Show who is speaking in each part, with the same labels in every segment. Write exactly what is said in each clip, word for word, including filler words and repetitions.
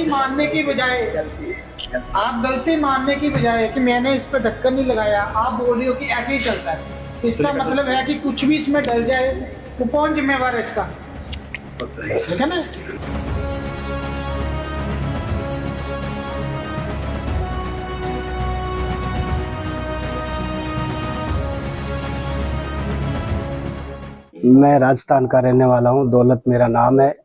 Speaker 1: मानने की बजाय आप गलती मानने की बजाय कि मैंने इस पर ढक्कन नहीं लगाया, आप बोल रही हो कि ऐसे ही चलता है। इसका मतलब है कि कुछ भी इसमें डल जाए तो कौन जिम्मेवार है इसका? ठीक है ना।
Speaker 2: मैं राजस्थान का रहने वाला हूँ, दौलत मेरा नाम है।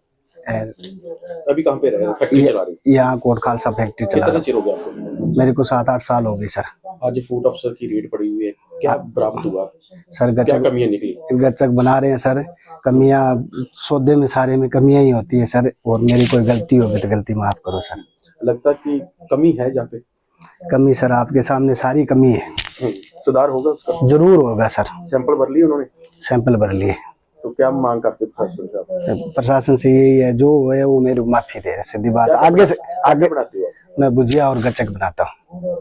Speaker 3: अभी कहाँ पे रह रहे हो? फैक्ट्री चला रही हो?
Speaker 2: यहाँ कोट खालसा फैक्ट्री चला
Speaker 3: कितना
Speaker 2: रहा
Speaker 3: चिर हो गया आपको?
Speaker 2: हूँ। मेरे को सात आठ साल हो गए सर।
Speaker 3: आज फूड अफसर की रेड पड़ी हुई है, क्या बरामद हुआ
Speaker 2: सर
Speaker 3: क्या
Speaker 2: गच्चक
Speaker 3: कमियां निकली?
Speaker 2: गच्चक बना रहे हैं सर। कमियां सौदे में सारे में कमियां ही होती है सर, और मेरी कोई गलती होगी तो गलती माफ करो सर।
Speaker 3: लगता है कि कमी है जहाँ पे?
Speaker 2: कमी सर आपके सामने सारी कमी है।
Speaker 3: सुधार होगा उसका?
Speaker 2: जरूर होगा सर।
Speaker 3: सैंपल भर लिए उन्होंने?
Speaker 2: सैंपल भर लिए।
Speaker 3: तो क्या मांग करते प्रशासन से आप?
Speaker 2: प्रशासन से यही है, जो है वो मेरी माफी दे, सीधी बात। आगे से आगे
Speaker 3: बनाते हो?
Speaker 2: मैं भुजिया और गच्चक बनाता हूँ।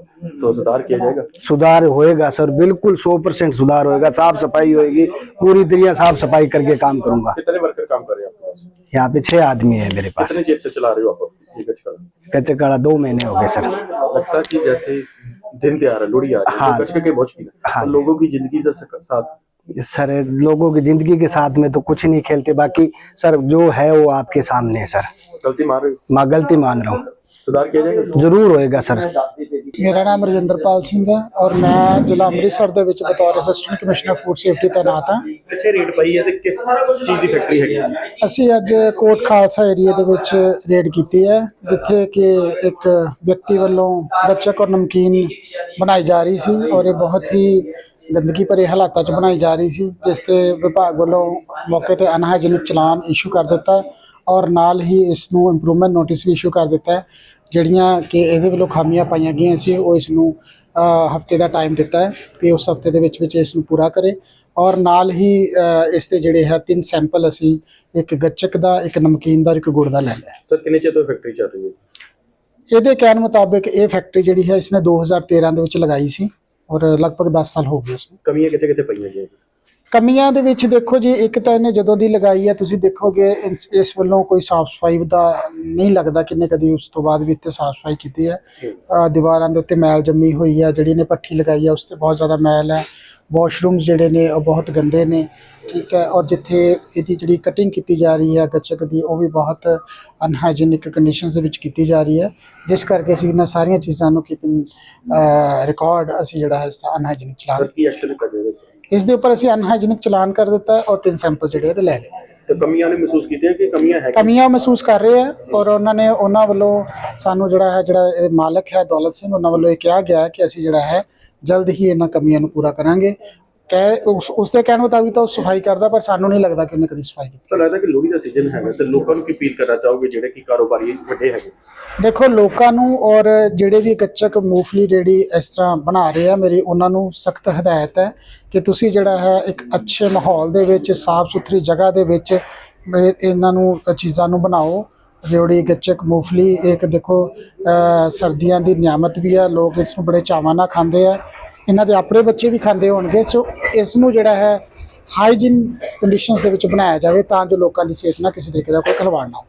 Speaker 3: तो सुधार किया जाएगा?
Speaker 2: सुधार होएगा सर, बिल्कुल सौ परसेंट सुधार होएगा। साफ सफाई होएगी, पूरी तरह साफ सफाई करके काम करूंगा।
Speaker 3: कितने वर्कर काम कर रहे हैं आपके पास?
Speaker 2: यहाँ पे छह आदमी है मेरे पास।
Speaker 3: कितने देर से चला रहे हो आप ये गचका?
Speaker 2: गच्चक दो महीने हो गए सर।
Speaker 3: लगता है कि जैसे दिन त्योहार है, लोहड़ी आ रही है,
Speaker 2: हाँ।
Speaker 3: तो गचके के बहुत शौकीन है।
Speaker 2: हाँ।
Speaker 3: तो लोगों की जिंदगी से साथ
Speaker 2: सर लोगों की जिंदगी के साथ में तो कुछ नहीं खेलते, बाकी सर जो है वो आपके सामने है सर।
Speaker 3: गलती मान रहे हो?
Speaker 2: मैं गलती मान रहा हूँ।
Speaker 3: सुधार किया जाएगा?
Speaker 2: जरूर होएगा सर।
Speaker 1: मेरा नाम रजिंदरपाल सिंह है और मैं ਜ਼ਿਲ੍ਹਾ ਅੰਮ੍ਰਿਤਸਰ ਦੇ ਵਿੱਚ ਬਤੌਰ ਅਸਿਸਟੈਂਟ ਕਮਿਸ਼ਨਰ ਫੂਡ ਸੇਫਟੀ ਤੈਨਾਤ ਹਾਂ।
Speaker 3: ਪਿੱਛੇ ਰੇਡ ਪਈ ਹੈ ਤੇ ਕਿਸ ਚੀਜ਼ ਦੀ ਫੈਕਟਰੀ ਹੈਗੀ ਹੈ?
Speaker 1: ਅਸੀਂ ਅੱਜ ਕੋਟ ਖਾਲਸਾ ਏਰੀਆ ਦੇ ਵਿੱਚ ਰੇਡ ਕੀਤੀ ਹੈ, ਜਿੱਥੇ ਕਿ ਇੱਕ ਵਿਅਕਤੀ ਵੱਲੋਂ ਗੱਚਕ ਔਰ ਨਮਕੀਨ ਬਣਾਈ ਜਾ ਰਹੀ ਸੀ ਔਰ ਇਹ ਬਹੁਤ ਹੀ ਗੰਦਗੀ ਭਰੇ ਹਾਲਾਤਾਂ 'ਚ ਬਣਾਈ ਜਾ ਰਹੀ ਸੀ, ਜਿਸ ਤੇ ਵਿਭਾਗ ਵੱਲੋਂ ਮੌਕੇ ਤੇ ਅਨਹਾਈਜੀਨਿਕ ਚਲਾਨ ਇਸ਼ੂ ਕਰ ਦਿੱਤਾ ਔਰ ਨਾਲ ਹੀ ਇਸ ਨੂੰ ਇੰਪਰੂਵਮੈਂਟ ਨੋਟਿਸ ਵੀ ਇਸ਼ੂ ਕਰ ਦਿੱਤਾ ਹੈ। ਜਿਹੜੀਆਂ ਕਿ ਇਹਦੇ ਵੱਲੋਂ ਖਾਮੀਆਂ ਪਾਈਆਂ ਗਈਆਂ ਸੀ ਉਹ ਇਸ ਨੂੰ ਹਫਤੇ ਦਾ ਟਾਈਮ ਦਿੱਤਾ ਹੈ ਕਿ ਉਸ ਹਫਤੇ ਦੇ ਵਿੱਚ ਵਿੱਚ ਇਸ ਨੂੰ ਪੂਰਾ ਕਰੇ ਔਰ ਨਾਲ ਹੀ ਇਸ ਦੇ ਜਿਹੜੇ ਹੈ ਤਿੰਨ ਸੈਂਪਲ ਅਸੀਂ ਇੱਕ ਗੱਚਕ ਦਾ, ਇੱਕ ਨਮਕੀਨ ਦਾ, ਇੱਕ ਗੁੜ ਦਾ ਲੈ ਲਿਆ।
Speaker 3: ਸਰ ਕਿੰਨੇ ਚਿਰ ਤੋਂ ਫੈਕਟਰੀ ਚੱਲ ਰਹੀ ਹੈ?
Speaker 1: ਇਹਦੇ ਕਹਿਣ ਮੁਤਾਬਿਕ ਇਹ ਫੈਕਟਰੀ ਜਿਹੜੀ ਹੈ ਇਸਨੇ ਦੋ ਹਜ਼ਾਰ ਤੇਰਾਂ ਦੇ ਵਿੱਚ ਲਗਾਈ ਸੀ ਔਰ ਲਗਭਗ ਦਸ ਸਾਲ ਹੋ ਗਏ ਇਸ ਨੂੰ।
Speaker 3: ਕਮੀਆਂ ਕਿੱਥੇ ਕਿੱਥੇ ਪਈਆਂ ਜੀ?
Speaker 1: ਕਮੀਆਂ ਦੇ ਵਿੱਚ ਦੇਖੋ ਜੀ, ਇੱਕ ਤਾਂ ਇਹਨੇ ਜਦੋਂ ਦੀ ਲਗਾਈ ਹੈ ਤੁਸੀਂ ਦੇਖੋਗੇ ਇਸ ਇਸ ਵੱਲੋਂ ਕੋਈ ਸਾਫ ਸਫਾਈ ਦਾ ਨਹੀਂ ਲੱਗਦਾ ਕਿ ਇਹਨੇ ਕਦੀ ਉਸ ਤੋਂ ਬਾਅਦ ਵੀ ਇੱਥੇ ਸਾਫ ਸਫਾਈ ਕੀਤੀ ਹੈ। ਦੀਵਾਰਾਂ ਦੇ ਉੱਤੇ ਮੈਲ ਜੰਮੀ ਹੋਈ ਹੈ, ਜਿਹੜੀ ਇਹਨੇ ਭੱਠੀ ਲਗਾਈ ਹੈ ਉਸ 'ਤੇ ਬਹੁਤ ਜ਼ਿਆਦਾ ਮੈਲ ਹੈ। ਵਾਸ਼ਰੂਮਸ ਜਿਹੜੇ ਨੇ ਉਹ ਬਹੁਤ ਗੰਦੇ ਨੇ, ਠੀਕ ਹੈ। ਔਰ ਜਿੱਥੇ ਇਹਦੀ ਜਿਹੜੀ ਕਟਿੰਗ ਕੀਤੀ ਜਾ ਰਹੀ ਹੈ ਗੱਚਕ ਦੀ, ਉਹ ਵੀ ਬਹੁਤ ਅਨਹਾਈਜੀਨਿਕ ਕੰਡੀਸ਼ਨਸ ਦੇ ਵਿੱਚ ਕੀਤੀ ਜਾ ਰਹੀ ਹੈ, ਜਿਸ ਕਰਕੇ ਅਸੀਂ ਇਹਨਾਂ ਸਾਰੀਆਂ ਚੀਜ਼ਾਂ ਨੂੰ ਕੀਪਿੰਗ ਰਿਕਾਰਡ ਅਸੀਂ ਜਿਹੜਾ ਹੈ ਅਨਹਾਈਜੀਨਿਕ ਚਲਾਨ
Speaker 3: ਕੀ ਐਕਸ਼ਨ ਲਿਆ ਜਾਏਗਾ
Speaker 1: ਇਸ ਦੇ ਉੱਪਰ ਅਸੀਂ ਅਨਹਾਈਜੀਨਿਕ ਚਲਾਨ ਕਰ ਦਿੱਤਾ ਹੈ ਔਰ ਤਿੰਨ ਸੈਂਪਲ ਜਿਹੜੇ ਇਹਦੇ ਲੈ ਲਏ।
Speaker 3: ਤੇ ਕਮੀਆਂ ਨੇ ਮਹਿਸੂਸ ਕੀਤੀਆਂ ਕਿ ਕਮੀਆਂ ਹੈ?
Speaker 1: ਕਮੀਆਂ ਮਹਿਸੂਸ ਕਰ ਰਹੇ ਆ ਔਰ ਉਹਨਾਂ ਨੇ ਉਹਨਾਂ ਵੱਲੋਂ ਸਾਨੂੰ ਜਿਹੜਾ ਹੈ ਜਿਹੜਾ ਇਹ ਮਾਲਕ ਹੈ ਦੌਲਤ ਸਿੰਘ, ਉਹਨਾਂ ਵੱਲੋਂ ਇਹ ਕਿਹਾ ਗਿਆ ਕਿ ਅਸੀਂ ਜਿਹੜਾ ਹੈ ਜਲਦ ਹੀ ਇਹਨਾਂ ਕਮੀਆਂ ਨੂੰ ਪੂਰਾ ਕਰਾਂਗੇ। ਕਹਿ ਉਸ ਉਸਦੇ ਕਹਿਣ ਮੁਤਾਬਿਕ ਤਾਂ ਉਹ ਸਫਾਈ ਕਰਦਾ, ਪਰ ਸਾਨੂੰ ਨਹੀਂ ਲੱਗਦਾ ਕਿ ਉਹਨੇ ਕਦੀ ਸਫਾਈ ਕੀਤੀ।
Speaker 3: ਤਾਂ ਲੱਗਦਾ ਕਿ ਲੋਹੜੀ ਦਾ ਸੀਜ਼ਨ ਹੈਗਾ ਤੇ ਲੋਕਾਂ ਨੂੰ ਕੀ ਅਪੀਲ ਕਰਨਾ ਚਾਹੋਗੇ ਜਿਹੜੇ ਕਿ ਕਾਰੋਬਾਰੀ ਵੱਡੇ ਹੈਗੇ?
Speaker 1: ਦੇਖੋ ਲੋਕਾਂ ਨੂੰ ਔਰ ਜਿਹੜੇ ਵੀ ਗੱਚਕ ਮੂੰਗਫਲੀ ਜਿਹੜੀ ਇਸ ਤਰ੍ਹਾਂ ਬਣਾ ਰਹੇ ਆ, ਮੇਰੀ ਉਹਨਾਂ ਨੂੰ ਸਖਤ ਹਦਾਇਤ ਹੈ ਕਿ ਤੁਸੀਂ ਜਿਹੜਾ ਹੈ ਇੱਕ ਅੱਛੇ ਮਾਹੌਲ ਦੇ ਵਿੱਚ, ਸਾਫ਼ ਸੁਥਰੀ ਜਗ੍ਹਾ ਦੇ ਵਿੱਚ ਇਹਨਾਂ ਨੂੰ ਚੀਜ਼ਾਂ ਨੂੰ ਬਣਾਓ। ਰਿਉੜੀ, ਗੱਚਕ, ਮੂੰਗਫਲੀ ਇੱਕ ਦੇਖੋ ਸਰਦੀਆਂ ਦੀ ਨਿਆਮਤ ਵੀ ਹੈ, ਲੋਕ ਇਸ ਨੂੰ ਬੜੇ ਚਾਵਾਂ ਨਾਲ ਖਾਂਦੇ ਆ, ਇਹਨਾਂ ਦੇ ਆਪਣੇ ਬੱਚੇ ਵੀ ਖਾਂਦੇ ਹੋਣਗੇ। ਸੋ ਇਸ ਨੂੰ ਜਿਹੜਾ ਹੈ ਹਾਈਜੀਨ ਕੰਡੀਸ਼ਨਸ ਦੇ ਵਿੱਚ ਬਣਾਇਆ ਜਾਵੇ ਤਾਂ ਜੋ ਲੋਕਾਂ ਦੀ ਸਿਹਤ ਨਾਲ ਕਿਸੇ ਤਰੀਕੇ ਦਾ ਕੋਈ ਖਿਲਵਾੜ ਨਾ ਹੋ।